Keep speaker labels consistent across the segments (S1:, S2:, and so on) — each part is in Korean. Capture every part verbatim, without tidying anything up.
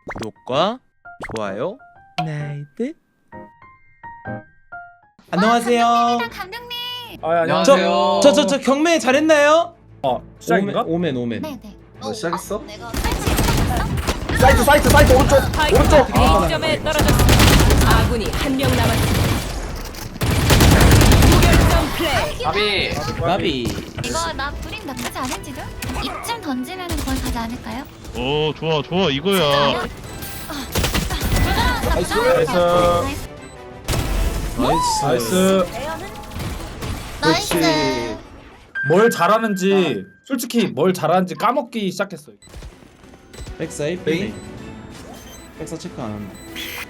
S1: 구독과 좋아요, 나이트. 안녕하세요.
S2: 감독님.
S3: 아, 안녕하세요.
S1: 저 저 저 경매 잘했나요?
S3: 어, 시작인가?
S1: 오멘 오멘.
S2: 네네.
S4: 너 시작했어?
S2: 어, 내가 설치.
S4: 사이트 사이트 사이트 오른쪽 오른쪽
S5: A점에 떨어졌습니다. 아군이 한 명 남았습니다. 무결점 플레이.
S4: 아비
S1: 나비.
S2: 이거 나 브림 나쁘지 않은지도? 이쯤 던지면은 거의 가지 않을까요?
S6: 오 좋아 좋아 이거야.
S2: 나이스.
S3: 나이스.
S1: 나이스.
S3: 나이스.
S2: 나이스.
S3: 뭘 잘하는지 솔직히 뭘 잘하는지 까먹기 시작했어요.
S1: 백사이
S4: 메인.
S1: 백사 체크 안 한다.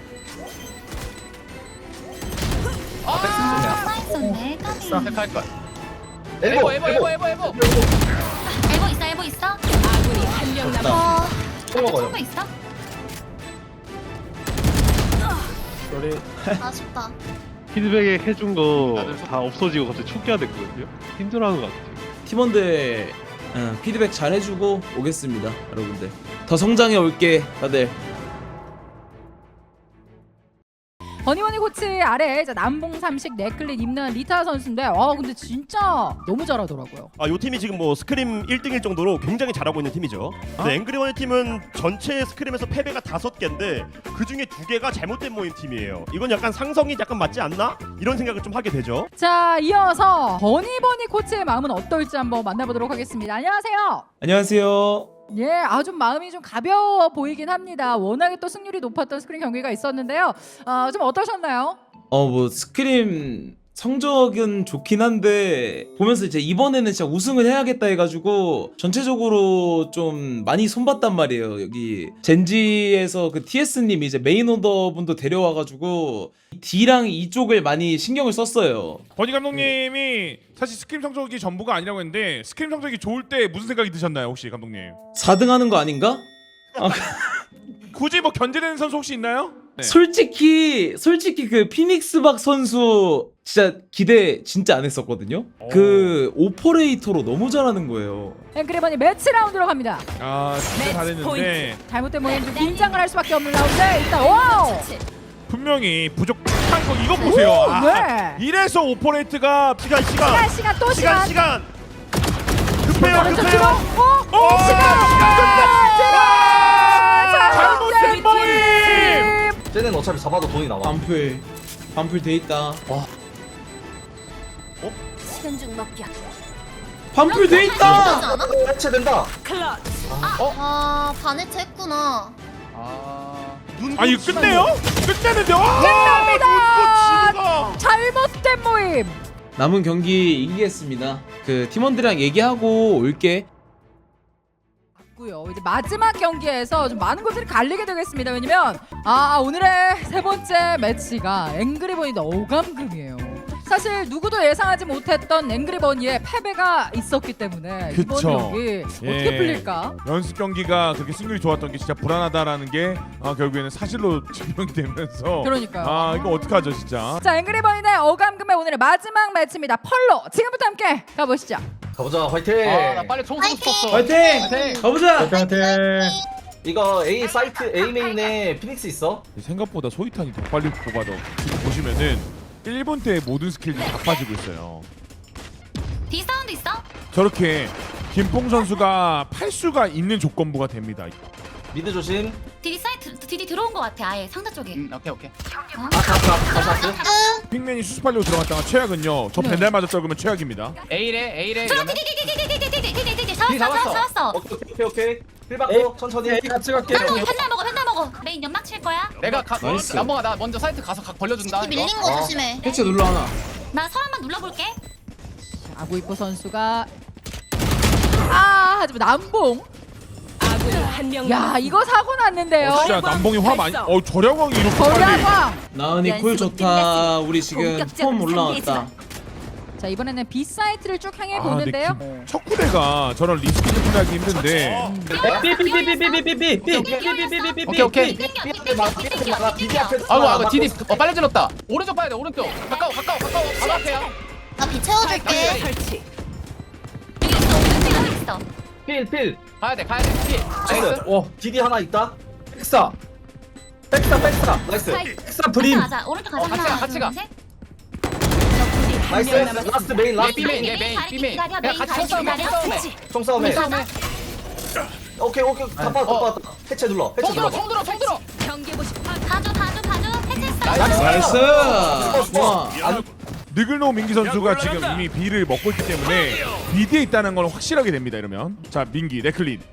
S2: 아, 나이스네. 까비.
S4: 할걸 엘보 엘보 엘보 엘보 엘보
S2: 엘보 있어, 엘보 있어.
S5: 아군이 한 명 남았습니다.
S2: 어.
S4: 또 먹어요.
S2: 총도 있어?
S3: 소리.
S2: 아쉽다.
S6: 피드백 해준 거 다 없어지고 갑자기 축기화 됐거든요. 힘들어하는 것 같아요.
S1: 팀원들 어, 피드백 잘 해주고 오겠습니다, 여러분들. 더 성장해 올게, 다들.
S7: 버니버니 코치 아래 이제 남봉 삼식 네클릿 입는 리타 선수인데 와 근데 진짜 너무 잘하더라고요.
S8: 아, 요 팀이 지금 뭐 스크림 일 등일 정도로 굉장히 잘하고 있는 팀이죠. 근데 앵그리버니 팀은 전체 스크림에서 패배가 다섯 개인데 그 중에 두 개가 잘못된 모임 팀이에요. 이건 약간 상성이 약간 맞지 않나? 이런 생각을 좀 하게 되죠.
S7: 자 이어서 버니버니 코치의 마음은 어떨지 한번 만나보도록 하겠습니다. 안녕하세요.
S1: 안녕하세요.
S7: 예, 아 좀 마음이 좀 가벼워 보이긴 합니다. 워낙에 또 승률이 높았던 스크린 경기가 있었는데요. 어, 좀 어떠셨나요?
S1: 어 뭐 스크림 성적은 좋긴 한데 보면서 이제 이번에는 진짜 우승을 해야겠다 해가지고 전체적으로 좀 많이 손봤단 말이에요. 여기 젠지에서 그 티에스님이 이제 메인 오더 분도 데려와가지고 D랑 이쪽을 많이 신경을 썼어요.
S9: 버니 감독님이 사실 스크림 성적이 전부가 아니라고 했는데 스크림 성적이 좋을 때 무슨 생각이 드셨나요, 혹시 감독님?
S1: 사 등 하는 거 아닌가? 아,
S9: 굳이 뭐 견제되는 선수 혹시 있나요? 네.
S1: 솔직히 솔직히 그 피닉스박 선수 진짜 기대 진짜 안 했었거든요. 그 오퍼레이터로 너무 잘하는 거예요.
S7: 앵그리버니 매치 라운드로 갑니다.
S9: 아 진짜
S5: 매치
S9: 잘했는데
S5: 포인트.
S7: 잘못된 모임 좀 긴장을 할 수밖에 없는 라운드. 일단 와우.
S9: 분명히 부족한 거 이거 보세요.
S7: 오,
S9: 아,
S7: 네.
S9: 이래서 오퍼레이트가
S8: 시간
S7: 시간
S8: 시간
S7: 시간 또
S8: 시간
S7: 시간.
S8: 시간 급해요
S7: 오른쪽
S8: 급해요.
S7: 뒤로. 어?
S9: 오,
S7: 자,
S9: 잘못된 모임.
S4: 쟤는 어차피 잡아도 돈이 나와.
S1: 반풀 반풀 돼 있다.
S5: 시간 중 먹기야.
S1: 반풀 돼 있다.
S4: 해체된다.
S5: 클러치.
S2: 아, 반해체 했구나.
S9: 아 이거 끝내요? 끝내는데 와!
S7: 끝납니다. 잘못된 모임.
S1: 남은 경기 이기겠습니다. 그 팀원들이랑 얘기하고 올게.
S7: 고요. 이제 마지막 경기에서 좀 많은 것들이 갈리게 되겠습니다. 왜냐면 아 오늘의 세 번째 매치가 앵그리버니 오감금이에요. 사실 누구도 예상하지 못했던 앵그리버니의 패배가 있었기 때문에 이번
S9: 그쵸.
S7: 경기 어떻게
S9: 예.
S7: 풀릴까?
S9: 연습 경기가 그렇게 승률이 좋았던 게 진짜 불안하다라는 게 아, 결국에는 사실로 증명이 되면서
S7: 그러니까요.
S9: 아 이거 어떡하죠 진짜.
S7: 자 앵그리버니 대 오감금의 오늘의 마지막 매치입니다. 펄로 지금부터 함께 가보시죠.
S4: 가보자 화이팅.
S10: 아나 빨리 총 쏘고 싶었어.
S1: 화이팅! 가보자.
S3: 화이팅.
S4: 이거 A 사이트 A 메인에 피닉스 있어.
S9: 생각보다 소이탄이 더 빨리 뽑아도 지금 보시면은 일 분 때 모든 스킬들이 다 빠지고 있어요.
S2: D 사운드 있어?
S9: 저렇게 김뽕 선수가 팔수가 있는 조건부가 됩니다.
S4: 미드 조심.
S2: D 사이트 D 들어온 것 같아. 아예 상자 쪽에.
S10: 음, 오케이 오케이.
S4: 아카카카샤스.
S9: 픽맨이 수습하려고 들어갔다가 최악은요. 저
S7: 네.
S9: 벤달 맞았다 그러면 최악입니다.
S10: A래 A래
S2: 들어
S10: 이러면.
S2: 디디디디디디디디디디디
S4: 피
S2: 잡았어
S4: 잡았어.
S2: 잡았어.
S4: 오케이 오케이 오케이. 힐
S3: 에이,
S4: 받고 천천히.
S3: A 같이 갈게.
S2: 펜달 먹어 펜달 먹어. 메인 연막 칠 거야.
S10: 내가 가.
S1: 나이스.
S10: 남봉아 나 먼저 사이트 가서 각 벌려준다.
S2: 밀린
S10: 이거.
S2: 거
S4: 어.
S2: 조심해.
S1: 해체 눌러 하나.
S2: 나 서한번 눌러볼게.
S7: 아구이포 선수가 아 하지만 남봉.
S5: 아군이 한 명
S7: 야
S5: 남았습니다.
S7: 이거 사고 났는데요.
S9: 어, 진짜 남봉이 화 많이. 어 저량왕이 이렇게 빨리.
S7: 전략왕.
S1: 나은이 콜 좋다. 우리 지금 폼 올라왔다.
S7: 자 이번에는 B 사이트를 쭉 향해
S9: 아,
S7: 보는데요.
S9: 근데 첫 구대가 저런 리스크 플레이하기 힘든데.
S3: 삐삐삐삐삐삐삐삐삐.
S10: 오케이 오케이.
S4: 비비 앞에.
S10: 아이고 아이고 디디 어 빨리 질렀다. 오른쪽 봐야 돼 오른쪽. 가까워 가까워 가까워 바로 앞에야.
S2: 나비 채워줄게.
S5: 설치.
S2: 여기 있어. 여기 있어.
S4: 필 필.
S10: 가야 돼 가야 돼. 피. 나이스.
S4: 어 디디 하나 있다.
S3: 백사 백사 백사
S4: 나이스.
S3: 백사 브림.
S2: 가자. 오른쪽 가자.
S10: 어, 같이 가,
S2: 하나,
S10: 같이
S2: 둘,
S10: 가.
S2: 셋.
S4: 나이스. 라스트 메인
S10: 얘
S4: 라스트
S10: 비메인
S4: 메인.
S10: 얘 메인
S2: 다리
S10: 비메인
S2: 기다려,
S10: 야
S2: 메인
S10: 같이
S2: 다리
S10: 싸움해
S2: 기다려.
S10: 싸움해
S2: 그치.
S4: 총싸움해.
S10: 싸움해
S4: 오케이 오케이. 다 빠졌다
S10: 어.
S4: 빠졌다. 해체 눌러. 해체
S10: 총 들어
S4: 눌러.
S10: 총 들어 총 들어
S5: 경계 보시
S2: 봐줘 봐줘 봐줘. 해체했어.
S1: 나이스. 좋아.
S4: 안
S9: 느글노 민기 선수가 지금 이미 B를 먹고 있기 때문에 B 뒤에 있다는 건 확실하게 됩니다. 이러면 자 민기 레클린.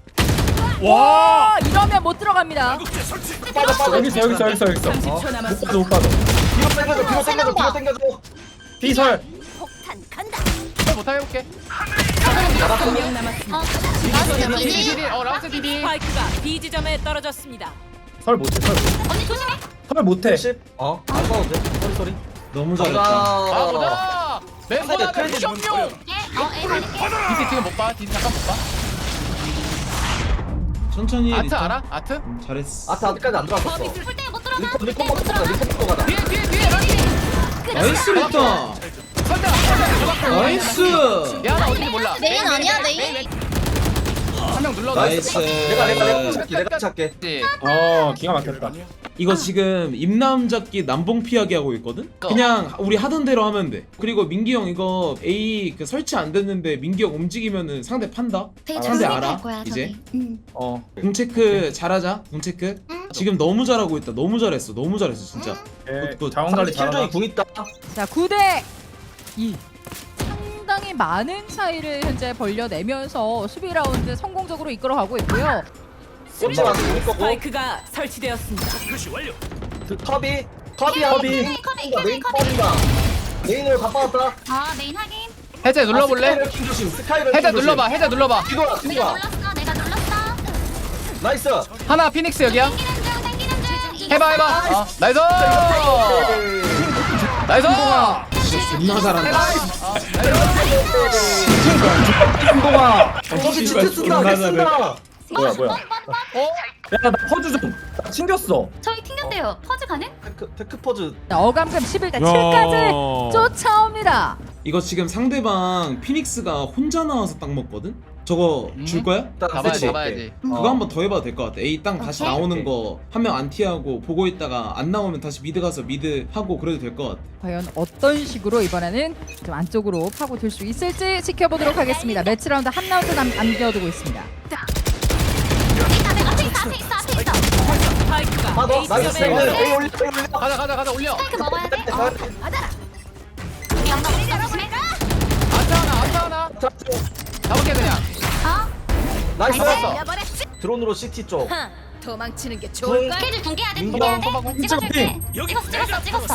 S7: 와 이러면 못 들어갑니다.
S4: 빠져 빠져.
S3: 여기 있어 여기 있어 여기 있어 여기 있어.
S5: 삼십 초
S3: 못
S5: 남았습니다.
S3: 빠져 못 빠져.
S4: 뒤로 당겨줘. 뒤로 당겨줘. 뒤로 당겨줘.
S3: B설.
S10: 설 못하게 해볼게
S5: 한 명 남았습니다.
S2: 어. 나이스.
S10: 디디
S2: 디디.
S10: 디디 어 라운드 디디
S5: 스파이크가 B 지점에 떨어졌습니다.
S3: 설 못해 설.
S2: 언니 조심해.
S3: 설 못해.
S4: 십. 어. 안 싸워도 돼. 소리 소리.
S1: 너무
S4: 가자.
S1: 잘했다.
S10: 아 보자 멤버나
S4: 크레딧
S10: 미션용
S2: 예. 어. A 갈게.
S10: 디디 지금 못봐 디디 잠깐 못봐
S1: 천천히.
S10: 아트
S1: 리턴.
S10: 알아? 아트?
S1: 음, 잘했어.
S4: 아트 아직까지 안 들어왔었어.
S2: 풀때 못 들어가.
S4: 리콘 리콘
S2: 못
S4: 먹고 가자.
S2: 들어가.
S4: 리콘 먹고 가자.
S10: 뒤에 뒤에 뒤에 라기
S1: 나이스 리턴.
S10: 설대 설대
S1: 나이스.
S10: 야나 어딘지 몰라
S2: 메인 아니야, 메인?
S10: 한명 눌러
S1: 나이스.
S4: 내가 내가 내가 찾게 내가 찾게.
S3: 어 기가 막혔다.
S1: 이거 지금 임남 잡기 남봉 피하기 하고 있거든? 그냥 우리 하던 대로 하면 돼. 그리고 민기 형 이거 A 그 설치 안 됐는데 민기 형 움직이면은 상대 판다?
S2: 되게
S1: 상대
S2: 조심히
S1: 알아?
S2: 갈 거야,
S1: 이제?
S2: 저기. 응.
S3: 어.
S1: 궁 체크 잘하자. 궁 체크.
S2: 응.
S1: 지금 너무 잘하고 있다. 너무 잘했어. 너무 잘했어 진짜.
S3: 예,
S1: 굿, 굿.
S3: 자원 관리 잘하나.
S4: 킬종이 궁 있다.
S7: 자 구 대 이. 상당히 많은 차이를 현재 벌려내면서 수비 라운드 성공적으로 이끌어가고 있고요.
S4: 혼자 와서 궁 거고.
S5: 스파이크가 설치되었습니다.
S4: 컵이 컵이야.
S2: 컵이, 컵이, 컵이,
S4: 메인
S2: 컵이.
S4: 컵이다. 메인으로 다 빠졌다.
S2: 아 메인 확인.
S10: 해제 눌러볼래?
S4: 스카이럴 킹 조심. 스카이럴
S10: 해제
S4: 킹 조심.
S10: 눌러봐 해제 눌러봐
S4: 뒤돌아
S2: 내가
S4: 뒤돌아.
S2: 눌렀어. 내가 눌렀어.
S4: 나이스.
S10: 하나 피닉스 여기야
S2: 당기는 중 당기는 중.
S10: 해봐 해봐 어, 나이스 나이스
S1: 존나 잘한다.
S3: 한동아.
S4: 거기 진짜 쓴다. 개 쓴다.
S3: 뭐야 뭐야.
S10: 어?
S3: 야나 퍼즈 좀. 나 튕겼어.
S2: 저희 튕겼대요. 퍼즈 가능?
S4: 테크 테크 퍼즈.
S7: 자, 어감금 십일 대 칠까지
S9: 야.
S7: 쫓아옵니다.
S1: 이거 지금 상대방 피닉스가 혼자 나와서 딱 먹거든? 저거 줄 거야?
S4: 일단
S10: 잡아야지
S4: 세치.
S10: 잡아야지
S1: 그거 한번 더 해봐도 될 것 같아. A 땅 다시
S2: 오케이.
S1: 나오는 거 한 명 안 티하고 보고 있다가 안 나오면 다시 미드 가서 미드 하고 그래도 될 것 같아.
S7: 과연 어떤 식으로 이번에는 좀 안쪽으로 파고들 수 있을지 지켜보도록 하겠습니다. 매치 라운드 한 라운드 남, 남겨두고 있습니다.
S2: 앞에 있어 앞에 있어 앞에 있어.
S5: 스파이크가
S4: 빠져.
S5: A
S4: 나이스.
S5: 지점에
S4: 올려
S5: 떨어졌습니다.
S4: 올려 올려.
S10: 가자 가자 가자 올려
S2: 스파이크 먹어야 돼. 어. 맞아. 양가 우리 조심해.
S10: 아트 하나 아트 하나 잡을게 그냥
S2: 어?
S4: 나이스.
S2: 날려버렸지.
S4: 드론으로 시티 쪽.
S5: 도망치는 게
S4: 좋을까?
S2: 스케줄 공개해야 돼.
S4: 민규
S2: 공개해야
S3: 형,
S2: 돼. 찍어줄게. 찍었어 찍었어 찍었어.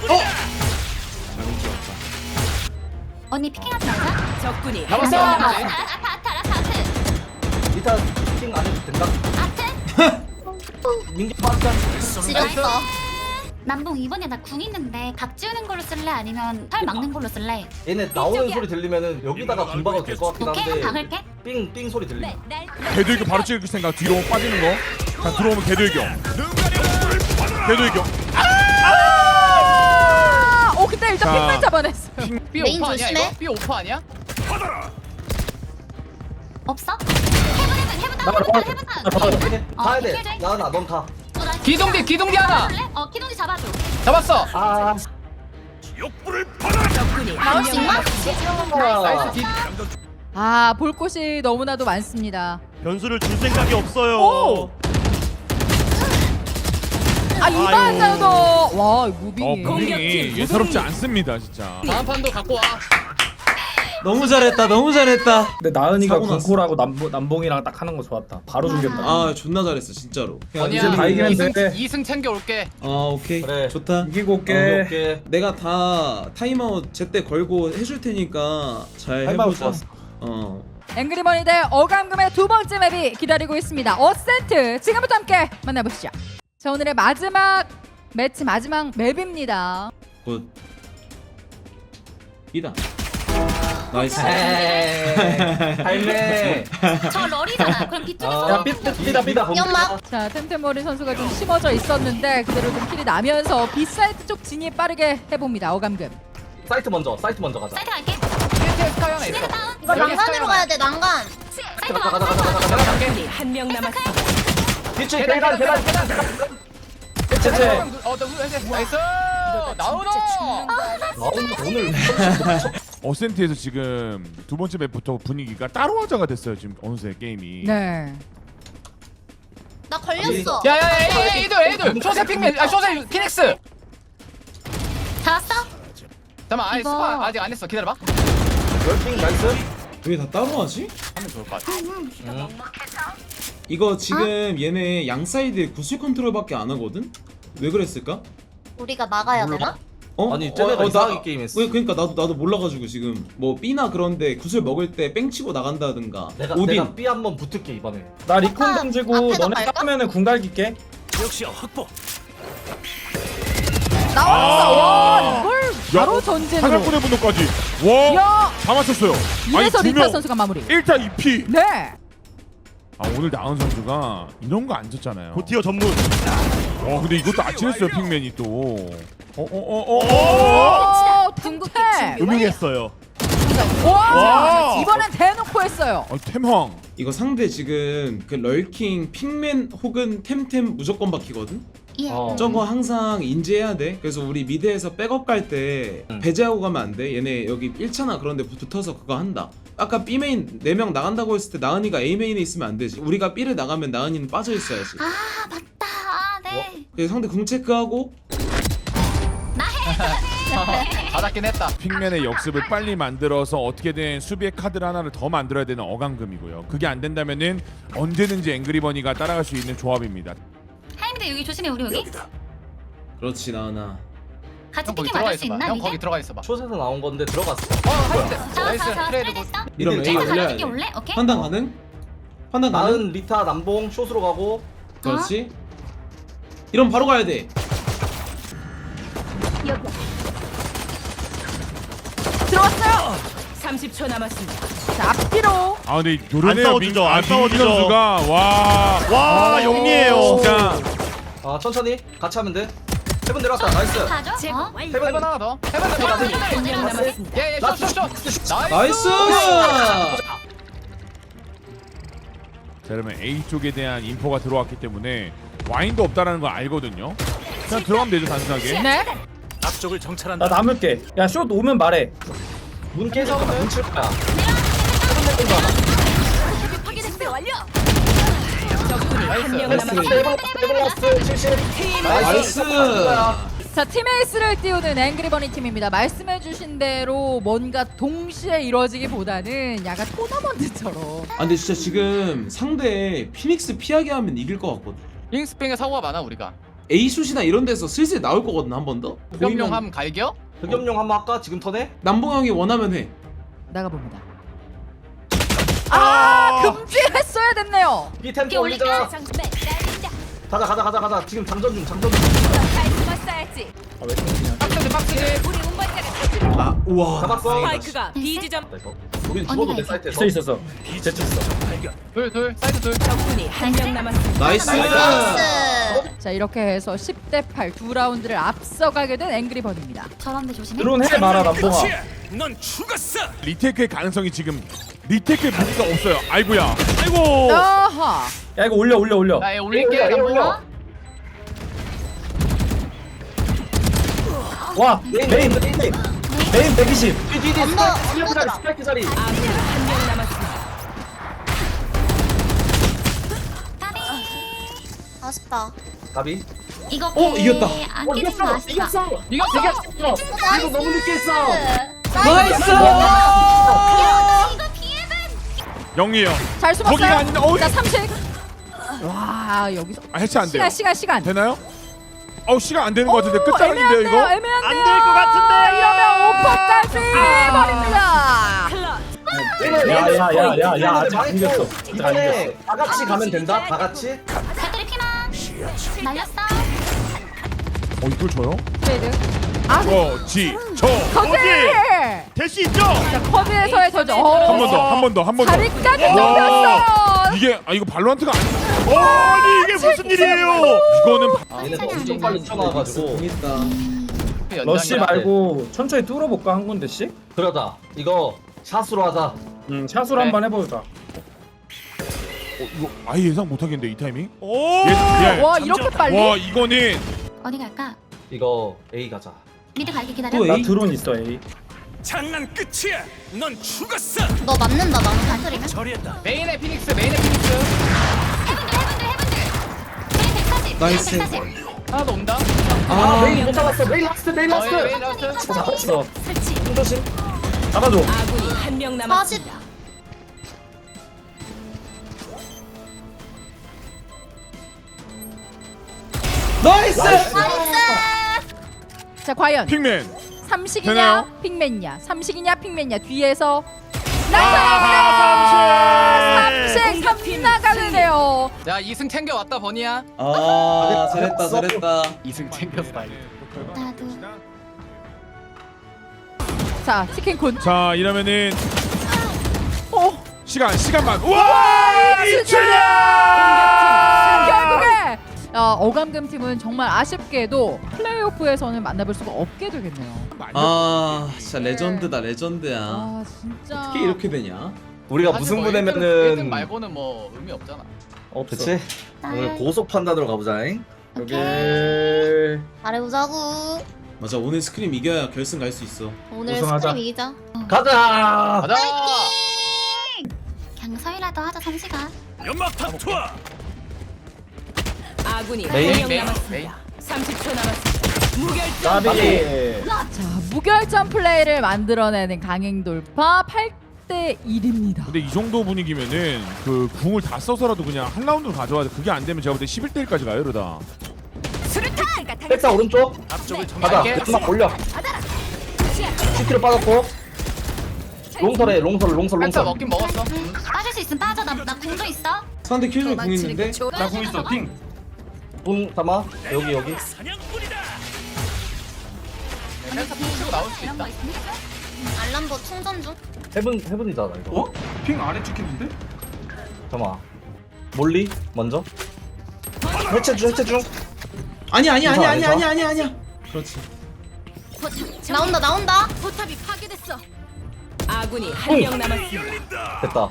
S2: 언니 피킹하지 말자.
S5: 적군이
S10: 잡았어
S2: 아, 아,
S10: 그렇지.
S2: 아트 아트 알았어 아트.
S4: 리타 킹 안 해도 된다.
S2: 아트.
S4: 민기 빠졌다.
S2: 지렸어. 남봉 이번에 나 궁 있는데 각 지우는 걸로 쓸래 아니면 털 막는 걸로 쓸래?
S4: 얘네 나오는 소리 들리면은 여기다가 공 박아도 될 것 같긴
S2: 오케이 그럼
S4: 한데
S2: 박을게.
S4: 삥삥 소리 들리네.
S9: 개들교 바로 찍을 생각. 뒤로 빠지는 거. 자 들어오면 개들교. 개들교.
S7: 아, 오 근데 일단
S9: 자.
S7: 핑만 잡아냈어요.
S10: B
S2: 메인
S10: 오퍼 아니야
S2: 조심해.
S10: 이거? B 오퍼 아니야?
S2: 없어? 해븐 해븐 해븐
S3: 나
S2: 다운 해븐
S3: 나-
S2: 다운 해븐
S3: 나
S2: 다운.
S3: 잡아야
S4: 돼.
S2: 어,
S4: 가야
S2: 오케이,
S4: 돼.
S2: 오케이.
S4: 나나 넌 가.
S2: 어, 나
S10: 기동기 기동기 하나
S2: 잡아줄래? 어 키동지 잡아줘.
S10: 잡았어
S4: 아.
S5: 적군이
S2: 나올 수 있나?
S10: 나이스 디
S7: 아 볼 곳이 너무나도 많습니다.
S8: 변수를 줄 생각이 없어요.
S7: 오! 아 이반자도 와 무빙이.
S9: 어
S5: 공격팀
S9: 무빙이 예사롭지 않습니다 진짜.
S10: 다음 판도 갖고 와
S1: 너무 잘했다. 너무 잘했다.
S3: 근데 나은이가
S1: 사고 났어.
S3: 군코라고 남봉 남봉이랑 딱 하는 거 좋았다. 바로 죽였다.
S1: 아 존나 잘했어 진짜로. 야,
S10: 언니야
S3: 이제 다 이기면
S10: 이승,
S3: 돼.
S10: 이승 챙겨올게
S1: 아 오케이
S4: 그래.
S1: 좋다.
S3: 이기고 올게.
S4: 오케이 오케이.
S1: 내가 다 타임아웃 제때 걸고 해줄 테니까 잘
S3: 타임아웃
S1: 해보자.
S3: 좋았어.
S1: 어.
S7: 앵그리머니 대 어감금의 두 번째 맵이 기다리고 있습니다. 어센트 지금부터 함께 만나보시죠. 자 오늘의 마지막 매치 마지막 맵입니다.
S1: 굿. 이다. 나이스.
S4: 할매.
S2: 저 럴이잖아. 그럼 비쪽에서.
S3: 야 삐다 삐다 삐다.
S2: 연막.
S7: 자 템템머리 선수가 좀 심어져 있었는데 그대로 좀 킬이 나면서 B사이트 쪽 진입 빠르게 해봅니다. 어감금.
S4: 사이트 먼저. 사이트 먼저 가자.
S2: 사이트 갈게.
S10: 뒤에 스카이 하나 있어
S2: 다운.
S10: 이거 난간으로 가야
S2: 돼 난간. 사이트
S4: 가자 가자
S2: 와.
S4: 가자 가자 가자.
S10: 내가 갈게
S5: 적군이 한 명 남았습니다.
S4: 뒤치
S10: 계단
S4: 계단
S10: 계단
S4: 계단
S10: 계단
S4: 계단.
S3: 채채.
S10: 어 나이스 나이스 나오노.
S4: 나오는 오늘
S9: 어센트에서 지금 두 번째 맵부터 분위기가 따로 화자가 됐어요. 지금 어느새 게임이.
S7: 네.
S2: 나 걸렸어.
S10: 야야야 에이들 에이들 쇼세 핑맨 아 쇼세 피닉스.
S2: 잡았어?
S10: 잠깐만 아니
S2: 이거-
S10: 스파 아직 안 했어 기다려봐.
S4: 럴킹 나이스.
S1: 왜 다 따로 하지?
S10: 하면 좋을 것 같아.
S1: 이거 지금 얘네 양 사이드 구슬 컨트롤밖에 안 하거든? 왜 그랬을까?
S2: 우리가 막아야 되나?
S1: 어?
S4: 아니, 쟤네가 이상하게
S1: 나-
S4: 게임했어.
S1: 왜, 그러니까 나도 나도 몰라가지고 지금 뭐 B나 그런데 구슬 먹을 때 뺑 치고 나간다든가
S4: 내가
S1: 오딘
S4: 내가 B 한번 붙을게 이번에.
S3: 나 리콘 던지고
S2: 앞에다
S3: 너네
S2: 갈까?
S3: 까면은 궁 갈길게.
S7: 나왔어. 와, 이걸 바로
S9: 야,
S7: 전진으로.
S9: 사냥꾼의 분노까지. 와.
S7: 야,
S9: 다 맞췄어요.
S7: 이래서
S9: 두
S7: 리타
S9: 명.
S7: 선수가 마무리.
S9: 일 타 이 피.
S7: 네.
S9: 아 오늘 나은 선수가 이런 거 안 졌잖아요.
S8: 고티어 전문.
S9: 어 근데 이것도 아찔했어요 핑맨이 또. 어어어어.
S7: 오, 둥태.
S8: 음흉했어요.
S7: 와,
S9: 와.
S7: 이번엔 대놓고 했어요.
S9: 아 템황.
S1: 이거 상대 지금 그 럴킹 핑맨 혹은 템템 무조건 박히거든?
S2: 예.
S4: 어.
S1: 저거 항상 인지해야 돼. 그래서 우리 미드에서 백업 갈 때
S4: 응.
S1: 배제하고 가면 안 돼. 얘네 여기 일 차나 그런 데 붙어서 그거 한다. 아까 B 메인 네 명 나간다고 했을 때 나은이가 A 메인에 있으면 안 되지. 우리가 B를 나가면 나은이는 빠져 있어야지.
S2: 아 맞다. 아, 네.
S1: 그래서 상대 궁 체크하고
S10: 받았긴 했다.
S9: 핑맨의 역습을 빨리 만들어서 어떻게든 수비의 카드를 하나를 더 만들어야 되는 어강금이고요. 그게 안 된다면은 언제든지 앵그리버니가 따라갈 수 있는 조합입니다.
S2: 하임대 여기 조심해 우리 여기.
S1: 그렇지 나은아.
S2: 같이
S10: 형 거기
S2: 피킹
S10: 들어가
S2: 맞을 수
S10: 있어봐.
S2: 있나
S10: 형
S2: 이제?
S10: 거기 들어가 있어봐.
S4: 숏에서 나온 건데 들어갔어.
S10: 어 하이트.
S2: 잡았어
S10: 나이스
S2: 잡았어
S10: 트레이드 굿.
S2: 됐어.
S1: 이러면 A
S4: 이제
S1: 올려야
S2: 가는 게
S1: 돼.
S2: 올래? 오케이.
S1: 판단 가능? 판단 가능?
S4: 나은 리타 남봉 숏으로 가고.
S1: 그렇지. 이러면 바로 가야 돼.
S7: 들어왔어요.
S5: 삼십 초 남았습니다.
S7: 자, 앞뒤로.
S9: 아 근데 요런해요.
S8: 싸워주죠, 안
S9: 민
S8: 싸워주죠.
S9: 선수가 와.
S8: 와 영리해요.
S9: 진짜.
S4: 아 천천히 같이 하면 돼. 해븐 내려왔다. 나이스.
S2: 가죠? 어?
S10: 해븐
S4: 해븐
S10: 하나 더. 해븐 하나 더.
S5: 한 명 남았습니다.
S10: 예예 쇼쇼쇼.
S1: 나이스!
S9: 자 그러면 A 쪽에 대한 인포가 들어왔기 때문에 와인도 없다라는 걸 알거든요. 그냥 들어가면 되죠 단순하게.
S7: 네.
S3: 나 남을게. 야 숏 오면 말해.
S4: 문 깨서 문칠 거야.
S5: 적군이 한 명
S10: 나이스.
S5: 남았습니다.
S4: 해븐 해븐 라스트 칠십.
S1: 나이스!
S7: 자, 팀 에이스를 띄우는 앵그리버니 팀입니다. 말씀해주신 대로 뭔가 동시에 이루어지기보다는 약간 토너먼트처럼.
S1: 아 근데 진짜 지금 상대 피닉스 피하게 하면 이길 것 같거든.
S10: 윙스팽에 사고가 많아 우리가.
S1: A슛이나 이런 데서 슬슬 나올 거거든 한 번 더.
S10: 흑염룡 함 갈겨?
S4: 흑염룡 한번 할까? 지금 턴에?
S1: 남봉 형이 원하면 해.
S7: 나가봅니다. 아, 금지했어야 됐네요.
S4: B 템포 올리자. 가자 가자 가자 가자. 지금 장전 중 장전 중.
S10: 빡세지 빡세지.
S1: 아 우와.
S4: 잡았어.
S5: 스파이크가 B 지점.
S4: 우린 죽어도 내 사이트에서.
S3: 있어 있었어. 제트 있어.
S10: 둘둘 사이드 둘.
S5: 적군이 한 명 남았습니다.
S1: 나이스!
S7: 자, 이렇게 해서 십 대 팔 두 라운드를 앞서가게 된 앵그리버니입니다.
S2: 저런데 조심해.
S3: 드론 해 마라 남봉아.
S9: 리테크의 가능성이 지금 리테크의 무기가 없어요. 아이고야. 아이고.
S7: 아하.
S3: 야 이거 올려 올려 올려.
S10: 나얘 올릴게.
S4: 올려,
S10: 남봉아.
S4: 올려.
S3: 와 메인 메인 메인 백이십.
S4: 뒤뒤 스파이크 자리 스파이크 자리.
S5: 아군이 한 명 남았습니다.
S2: 아쉽다.
S4: 가비.
S2: 이거
S1: 어, 이겼다.
S2: 안 깨진 거 아쉽다.
S10: 이겼어.
S4: 이거 너무 늦게 했어.
S1: 나이스!
S2: 이거 비에는
S9: 영리해요.
S7: 잘 숨었어요.
S9: 거기가 아닌데, 어이.
S7: 자, 삼십. 와, 여기서
S9: 아 해체 안 돼요.
S7: 시간 시간 시간.
S9: 되나요? 어우 시간 안 되는 것 같은데
S7: 오,
S9: 끝자락인데요
S7: 애매한데요,
S9: 이거?
S7: 애매한데요.
S8: 안 될 것 같은데.
S7: 이러면 오퍼 딸피 버립니다.
S3: 야야야야야 아직 안 이겼어. 아직 안 이겼어.
S4: 이번에 다 같이 가면 된다. 다 같이.
S2: 배터리 피망. 날렸어.
S9: 어 이걸 줘요?
S7: 트레이드. 아,
S9: 저지 저.
S7: 거기.
S8: 될 수 있죠.
S7: 자, 커브에서의 저지.
S9: 한 번 더 한 번 더 한 번 더.
S7: 다리까지
S9: 와.
S7: 좁혔어요.
S9: 이게 아 이거 발로란트가 아니.
S8: 어, 아니 이게 무슨 일이에요?
S9: 이거는
S4: 얘네 엄청 빨리 튀어나와가지고.
S1: 재밌다.
S3: 러쉬 말고 천천히 뚫어볼까 한 군데씩?
S4: 그러자. 이거 샷으로 하자.
S3: 음 샷으로
S10: 네.
S3: 한번 해보자.
S9: 어, 이거 아예 예상 못하겠는데 이 타이밍?
S8: 오!
S9: 예, 예.
S7: 와 이렇게 빨리?
S9: 와 이거는
S2: 어디 갈까?
S4: 이거 A 가자.
S2: 미드 갈게 기다려.
S1: 또
S3: 나
S1: A?
S3: 드론 있어 A.
S2: 너 맞는다 나는 단소리면.
S10: 메인의 피닉스 메인의 피닉스
S2: 해븐들 해븐들 해븐들. 메인 백사십.
S1: 나이스.
S2: 메인 백사십.
S10: 하나 더 온다
S4: 아 메인 못 잡았어. 메인 라스트 메인
S10: 어,
S4: 라스트.
S10: 예, 메인 라스트
S4: 잡았어.
S2: 설치.
S4: 조심. 잡아줘.
S5: 아군이 한 명 남았습니다.
S1: 나이스!
S7: 자 과연
S9: 픽맨
S7: 삼식이냐
S9: 되나요?
S7: 픽맨이냐 삼식이냐 픽맨이냐 뒤에서
S9: 아,
S7: 삼식 삼 나가는데요.
S10: 자 이승 챙겨왔다 버니야
S1: 아 잘했다 잘했다.
S10: 이승 챙겼어
S2: 나도.
S7: 자 치킨군.
S9: 자 이러면은
S7: 어
S9: 시간 시간만 우와 이춘향
S7: 결국에 어, 어감금 팀은 정말 아쉽게도 플레이오프에서는 만나볼 수가 없게 되겠네요.
S1: 아 진짜 레전드다 레전드야.
S7: 아 진짜.
S1: 어떻게 이렇게 되냐?
S4: 우리가
S10: 사실 뭐
S4: 무승부
S10: 일 등
S4: 되면은
S10: 말고는 뭐 의미 없잖아
S4: 없어. 그치? 오늘
S2: 나야.
S4: 고속 판단으로 가보자잉. 여기
S11: 잘해보자고.
S1: 맞아 오늘 스크림 이겨야 결승 갈 수 있어.
S11: 오늘
S3: 우승하자.
S11: 스크림 이기자.
S4: 가자.
S10: 가자
S2: 그냥 서이라도 하자 삼시가.
S5: 아군이 한
S4: 메인,
S5: 명
S10: 메인,
S5: 남았습니다. 삼십 초 남았습니다. 무결점.
S4: 까비.
S7: 자 무결점 플레이를 만들어내는 강행 돌파 팔 대 일입니다.
S9: 근데 이 정도 분위기면은 그 궁을 다 써서라도 그냥 한 라운드로 가져와야 돼. 그게 안 되면 제가 볼 때 십일 대 일까지 가요 이러다.
S4: 백사 오른쪽. 가자.
S10: 갈게.
S4: 막 올려. 시티로 빠졌고. 롱설에 롱설 롱설
S10: 펜타
S4: 롱설.
S10: 먹긴 먹었어
S2: 응. 빠질 수 있으면 빠져. 나, 나 궁도 있어.
S1: 상대 킬조 궁 있는데.
S4: 나 공 있어. 핑. 분 담아. 여기 여기.
S10: 펜타 푸시고 나올 수
S2: 이런
S10: 있다
S2: 거 있으면 해줘.
S11: 알람보 충전 중.
S4: 헤븐 헤븐이잖아 이거.
S3: 어? 핑 아래 찍히는데?
S4: 잠깐만. 몰리 먼저. 해체 중 해체 중.
S1: 아니 아니 아니
S4: 인사,
S1: 아니
S4: 인사.
S1: 아니 아니 아니야. 그렇지.
S11: 나온다 나온다.
S5: 포탑이 파괴됐어. 아군이 한 명 남았습니다.
S4: 됐다.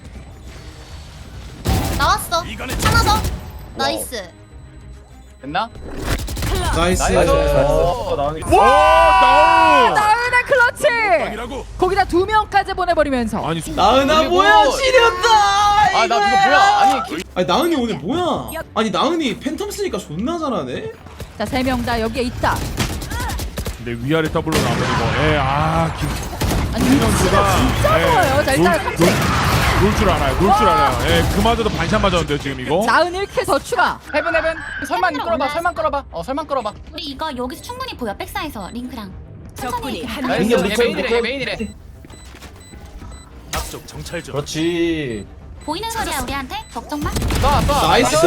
S11: 나왔어. 하나 더. 나이스.
S10: 됐나?
S1: 나이스.
S10: 나이스
S4: 어,
S3: 나오니까.
S9: 와 나우.
S7: 나은의 클러치. 거기다 두 명까지 보내버리면서.
S9: 아니 수-
S1: 나은아
S10: 그리고-
S1: 뭐야 지렸다.
S10: 아 나 이거 뭐야 아니 기-
S1: 아니 나은이 오늘 뭐야? 아니 나은이 팬텀 쓰니까 존나 잘하네.
S7: 자 세 명 다 여기에 있다.
S9: 근데 위아래 더블로 나오면 이거 에아 김.
S7: 아니
S9: 선수가
S7: 진짜 좋아요. 자 일단 삼식.
S9: 놀 줄 알아요. 놀 줄 알아요. 예, 그마저도 반샷 맞았는데요 지금 이거.
S7: 나은 일 킬 더 추가.
S10: 헤븐 헤븐 설만
S2: 헤븐으로
S10: 끌어봐
S2: 올라왔어.
S10: 설만 끌어봐 어 설만 끌어봐
S2: 우리 이거 여기서 충분히 보여. 백사에서 링크랑.
S5: 적군이 한
S10: 나이스
S5: 명.
S4: 민규
S10: 얘
S4: 리콜,
S10: 메인이래
S4: 리콜.
S10: 얘 메인이래
S4: 그렇지.
S2: 보이는 소리야 우리한테. 걱정 마.
S10: 쏴 쏴
S1: 나이스.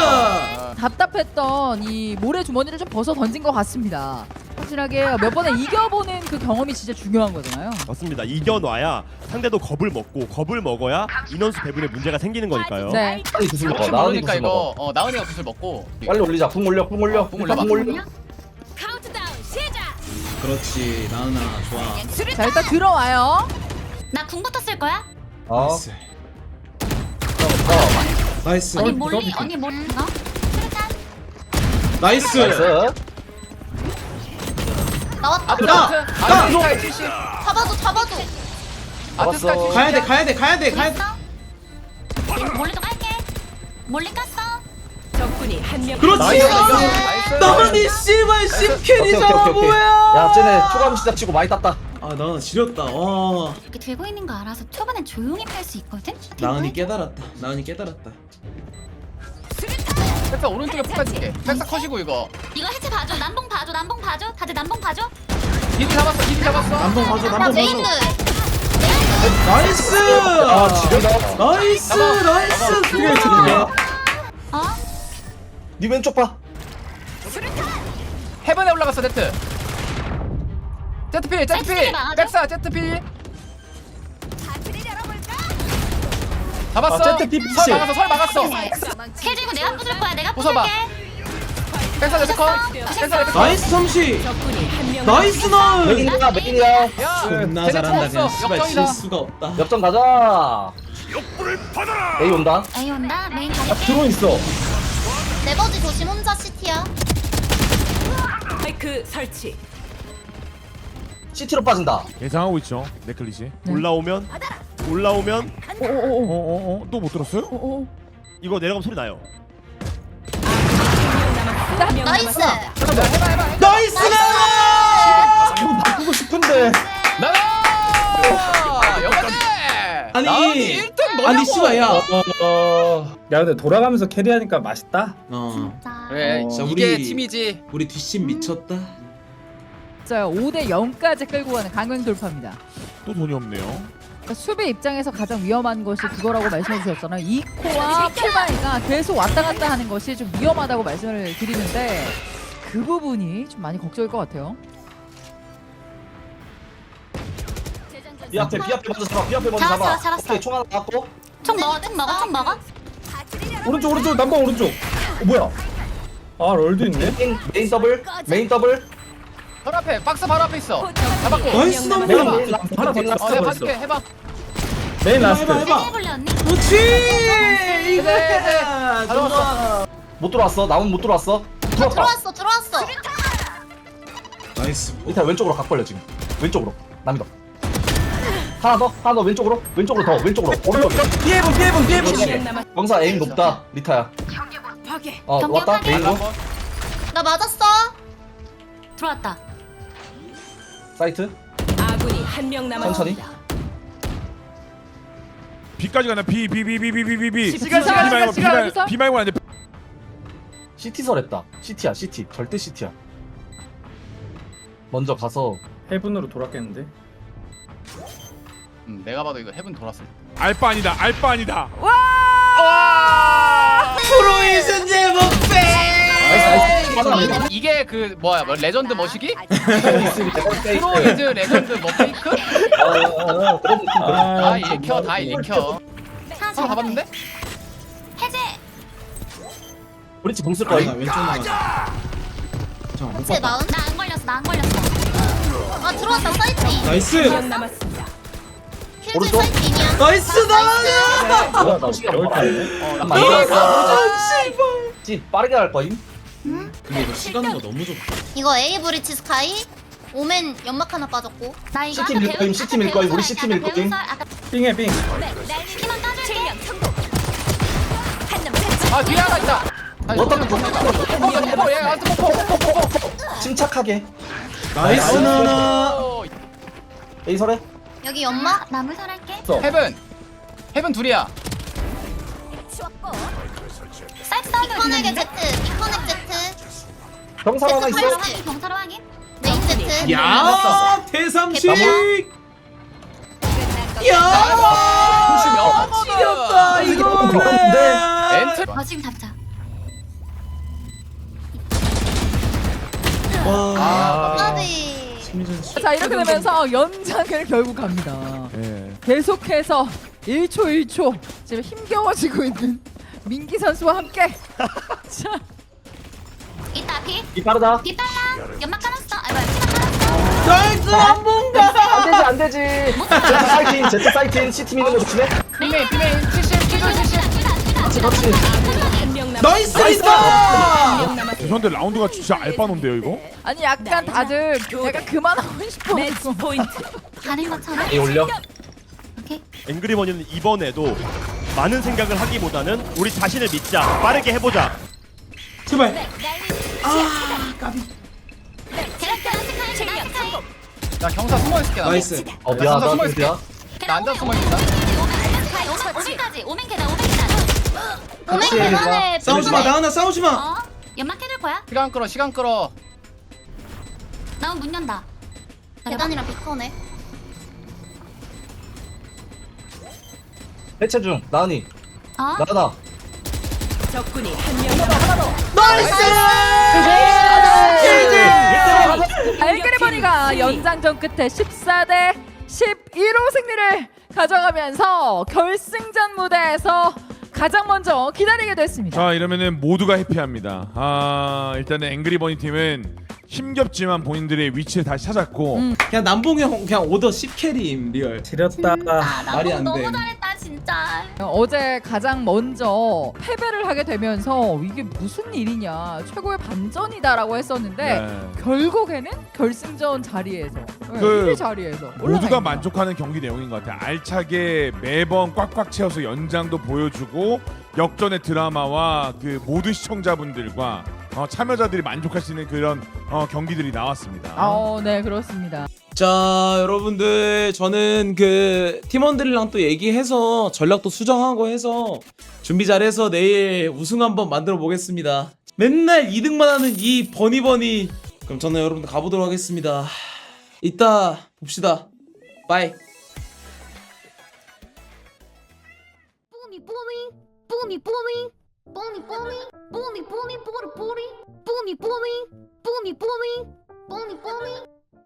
S7: 답답했던 이 모래 주머니를 좀 벗어 던진 것 같습니다. 확실하게 몇 번에 이겨보는 그 경험이 진짜 중요한 거잖아요.
S8: 맞습니다. 이겨놔야 상대도 겁을 먹고 겁을 먹어야 인원수 배분에 문제가 생기는 거니까요.
S7: 네.
S4: 빨리 구슬 먹어.
S10: 혹시
S4: 나은이
S10: 모르니까
S4: 구슬 먹어.
S10: 이거 어 나은이가 구슬 먹고
S4: 빨리 올리자. 궁 올려. 궁 올려.
S10: 궁 올려.
S4: 궁 올려.
S5: 카운트다운 시작.
S1: 그렇지 나은아 좋아.
S7: 자 일단 들어와요.
S2: 나 궁부터 쓸 거야?
S4: 어.
S1: 나이스. 나이스.
S2: 언니
S4: 어,
S2: 몰리
S4: 이거
S2: 언니 몰리 너? 수류탄.
S1: 나이스.
S4: 나이스.
S11: 나왔다.
S10: 아트
S1: 나!
S10: 아트
S1: 나!
S10: 아트 스카이 칠십
S11: 잡아줘 잡아줘.
S10: 아트 스카이 칠십
S1: 가야 돼 가야 돼 가야 돼 가야 돼.
S2: 됐어? 몰리도 갈게. 몰리 깠어.
S5: 적군이 한 명.
S1: 그렇지.
S4: 나이스.
S10: 나이스
S1: 나은이 씨발 십
S4: 오케이, 오케이,
S1: 킬이잖아
S4: 오케이, 오케이.
S1: 뭐야?
S4: 야, 쟤네 초감 시작 치고 많이 땄다.
S1: 아 나은 지렸다. 와.
S2: 이렇게 들고 있는 거 알아서 초반엔 조용히 팔 수 있거든?
S1: 나은이 깨달았다. 나은이 깨달았다.
S10: 백사 오른쪽에 폭발줄게 백사 컷이고 이거
S2: 이거 해체 봐줘. 남봉 봐줘. 남봉 봐줘. 다들 남봉 봐줘.
S10: 이디 잡았어 이디 잡았어
S1: 남봉 봐줘.
S11: 나
S1: 남봉
S11: 메인들.
S1: 봐줘. 나이스.
S4: 아, 지렸다.
S1: 나이스.
S10: 잡아.
S1: 나이스.
S4: 그래, 지렸네.
S2: 어?
S4: 네 왼쪽 봐.
S10: 헤븐에 올라갔어 제트 제트필 제트필
S2: 제트필 맞아?
S10: 백사 제트필 잡았어
S4: 아, 제트 피피씨.
S10: 설 막았어 설 막았어
S2: 킬 들고 내가 부술 거야. 내가
S10: 부숴봐.
S2: 부술게.
S10: 백사 제트 컷 백사 제트 컷
S1: 나이스 삼시.
S5: 적군이 한 명.
S1: 나이스 나은.
S4: 메인이야, 메인이야.
S10: 야
S1: 존나
S10: 쟤네
S1: 잘한다
S10: 총
S1: 그냥.
S10: 없어
S1: 씨발
S10: 역전이다
S1: 질 수가 없다.
S4: 역전 가자. A 온다.
S2: A 온다. 메인
S3: 딱
S2: 가릴게.
S3: 드론 있어.
S11: 레버지 조심 혼자 시티야.
S5: 마이크 설치.
S4: 시티로 빠진다.
S9: 예상하고 있죠. 네클릿이.
S8: 올라오면 올라오면
S9: 어어어 또 못 들었어요?
S8: 이거 내려가면 소리 나요.
S5: 한명
S11: 나이스.
S5: 남았습니다.
S1: 나이스!
S3: 이거 바꾸고 싶은데.
S10: 나가 여기까지.
S1: 아니,
S10: 나은이 일 등 뭐냐고.
S1: 아니 씨발 야.
S3: 어. 야 근데 돌아가면서 캐리하니까 맛있다.
S1: 어.
S2: 자.
S10: 그래
S3: 어.
S10: 이게
S1: 우리-
S10: 팀이지.
S1: 우리 뒷심 미쳤다.
S7: 자, 오 대 영까지 끌고 가는 강행 돌파입니다.
S9: 또 돈이 없네요.
S7: 그러니까 수비 입장에서 가장 위험한 것이 그거라고 말씀해 주셨잖아요. 이코와 풀바이가 계속 왔다 갔다 하는 것이 좀 위험하다고 말씀을 드리는데 그 부분이 좀 많이 걱정일 것 같아요.
S4: B 앞에 B 앞에 먼저 잡아. B 앞에 먼저
S2: 잡았어,
S4: 잡아.
S2: 잡았어.
S4: 오케이 총 하나 갖고.
S2: 총 먹어. 총 먹어. 총 먹어.
S3: 오른쪽 오른쪽 남방 오른쪽. 어 뭐야? 아 럴도 있네.
S4: 메인 메인 더블. 메인 더블.
S10: 바로 앞에 박스 바로 앞에 있어. 잡았고.
S1: 나이스
S5: 명
S1: 넘버.
S3: 메인
S10: 해봐.
S3: 메인 라스트 하나 더
S10: 어 내가
S3: 라스트
S10: 봐줄게.
S3: 있어.
S10: 해봐.
S3: 메인
S1: 해봐
S3: 라스트.
S1: 해봐 해봐.
S2: 해볼래 언니?
S1: 그렇지.
S10: 네,
S1: 이거야. 좋아.
S4: 못 들어왔어. 나무 못 들어왔어.
S11: 아,
S4: 들어왔다.
S11: 들어왔어 들어왔어.
S1: 나이스.
S4: 일단 왼쪽으로 각 벌려 지금. 왼쪽으로. 남이 더. 하나 더. 하나 더 왼쪽으로. 왼쪽으로 더. 왼쪽으로. 오른쪽.
S1: 피해본 피해본 피해본.
S5: 한명 남았.
S4: 영사 에임 높다. 리타야. 어
S2: 경계
S4: 왔다.
S2: 파괴.
S4: 메인으로.
S11: 나 맞았어.
S2: 들어왔다.
S4: 사이트.
S5: 아군이 한 명 남았습니다.
S9: B까지 가나 B B B B B B B B.
S7: 시간, 시간,
S9: B 말고 B
S7: 시간,
S9: 말
S7: 시간.
S9: B 말고 안 돼.
S4: 시티 설했다. 시티야 시티. 절대 시티야. 먼저 가서
S3: 해븐으로 돌았겠는데.
S10: 음, 내가 봐도 이거 헤븐 돌았을 때.
S9: 알바 아니다. 알바 아니다.
S1: 프로의 승제 목표.
S4: 나이스 나이스.
S10: 이게 그 뭐야 뭐 레전드 머시기?
S4: 페이크.
S10: 프로이즈 레전드 뭐 페이크?
S4: 어어어. 그런 느낌.
S10: 다 읽혀 다 읽혀.
S2: 하나
S10: 서로 가봤는데?
S2: 해제.
S4: 브릿지 봉쓸
S1: 아,
S4: 거임.
S1: 나 왼쪽 나가자. 잠깐 못
S11: 제
S1: 봤다.
S11: 나은.
S2: 나 안 걸렸어. 나 안 걸렸어.
S11: 아 들어왔다 사이트.
S1: 나이스.
S5: 한명 남았습니다.
S11: 킬즈
S4: 오른쪽.
S11: 사이트 인이야.
S1: 나이스 나가.
S3: 뭐야 나 배울 뻔했네.
S4: 잠깐만 이거. 지 빠르게 할 거임.
S1: 근데 이거 시간도 너무 좋다.
S11: 이거 A 브리치 스카이. 오멘 연막 하나 빠졌고.
S2: 나 이거
S4: 시티
S2: 아까
S4: 밀
S2: 배운-
S4: 거임, 시티
S2: 아까
S4: 밀 거임,
S2: 배운
S4: 우리
S2: 설,
S4: 시티
S2: 아까
S4: 밀
S2: 배운
S4: 거임.
S2: 설, 아까
S3: 빙해 빙.
S2: 키만 따줄게.
S10: 아 뒤에 하나 있다. 아니,
S4: 어떤
S10: 어,
S4: 거?
S10: 어, 어, 얘 아트 포포 포포 포포.
S1: 나이스
S4: 침착하게.
S1: 나이스 나나.
S10: 어,
S4: A 설해.
S11: 여기 연막.
S2: 나물 설할게.
S10: 헤븐. 헤븐 둘이야.
S2: 사이트 사운드
S11: 이커넥의
S2: 들리는데?
S11: Z. 이커넥 Z.
S4: 병사 하나 있어.
S11: 팔-
S2: 확인, 경찰 확인.
S11: 메인 Z.
S1: 야 대삼식.
S11: 개꿀.
S1: 야 지렸다 이거는.
S10: 엔트.
S2: 어 지금 잡자.
S1: 와.
S10: 아,
S11: 까비.
S1: 심리전 수.
S7: 자, 이렇게 되면서 연장을 결국 갑니다.
S9: 예.
S7: 계속해서 일 초 일 초 지금 힘겨워지고 있는 민기 선수와 함께 자,
S2: 이따 비.
S4: 이 빠르다.
S2: 비 빨라. 연막 깔았어. 아 뭐야 키만 깔았어.
S1: 나이스 한 번가.
S4: 안 되지 안 되지. Z 사이팅 Z 사이팅 시티 미는 거 조심해.
S10: 비메인 비메인 칠십 칠십 칠십.
S4: 그렇지 그렇지.
S5: 한명 남았.
S1: 나이스
S5: 한명
S1: 있어.
S5: 남았.
S9: 죄송한데 라운드가 진짜 알바논데요 이거?
S7: 아니 약간 다들 내가 그만하고 싶어.
S5: 매치 포인트.
S2: 가는 것처럼.
S4: A 올려.
S2: 오케이.
S8: 앵그리버니는 이번에도 많은 생각을 하기보다는 우리 자신을 믿자. 빠르게 해보자.
S1: 제발.
S2: 계란 계란 스카이 계란 스카이.
S10: 나 경사 숨어 있을게. 나.
S1: 나이스.
S4: 어 미안 나 미안.
S10: 나 앉아 숨어 있다.
S2: 오면까지 오면 계단 오면 계단.
S11: 오멘
S4: 그렇지,
S11: 계단에.
S1: 싸우지 마 나은아 싸우지 마.
S2: 어? 연막 해둘 거야?
S10: 시간 끌어 시간 끌어.
S2: 나온 문 연다.
S11: 계단이랑 비커네.
S4: 해체 중. 나은이.
S2: 어?
S4: 나은아.
S5: 적군이 한명 남았.
S7: 알그리버니가 연장전 끝에 십사 대 십일 호 승리를 가져가면서 결승전 무대에서 가장 먼저 기다리게 됐습니다.
S9: 자 이러면은 모두가 해피합니다. 아 일단은 앵그리버니 팀은 힘겹지만 본인들의 위치를 다시 찾았고
S7: 음.
S1: 그냥 남봉이 형 그냥 오더 십 캐리임 리얼.
S3: 지렸다.
S2: 아,
S1: 말이
S2: 남봉
S1: 안 돼.
S2: 너무 잘했다 진짜.
S7: 어제 가장 먼저 패배를 하게 되면서 이게 무슨 일이냐 최고의 반전이다라고 했었는데
S9: 네.
S7: 결국에는 결승전 자리에서 네,
S9: 그
S7: 일 위 자리에서 올라가
S9: 모두가
S7: 있네요.
S9: 만족하는 경기 내용인 것 같아요. 알차게 매번 꽉꽉 채워서 연장도 보여주고 역전의 드라마와 그 모든 시청자분들과 어, 참여자들이 만족할 수 있는 그런 어, 경기들이 나왔습니다.
S7: 어, 네 그렇습니다.
S1: 자 여러분들 저는 그 팀원들이랑 또 얘기해서 전략도 수정하고 해서 준비 잘해서 내일 우승 한번 만들어 보겠습니다. 맨날 이 등만 하는 이 버니버니. 그럼 저는 여러분들 가보도록 하겠습니다. 이따 봅시다. 바이.
S11: 뽀미 뽀미 뽀미 뽀미 뽀미 뽀미 뽀미 뽀미 뽀리 뽀리 뽀미 뽀미 뽀미 뽀미 뽀미 뽀미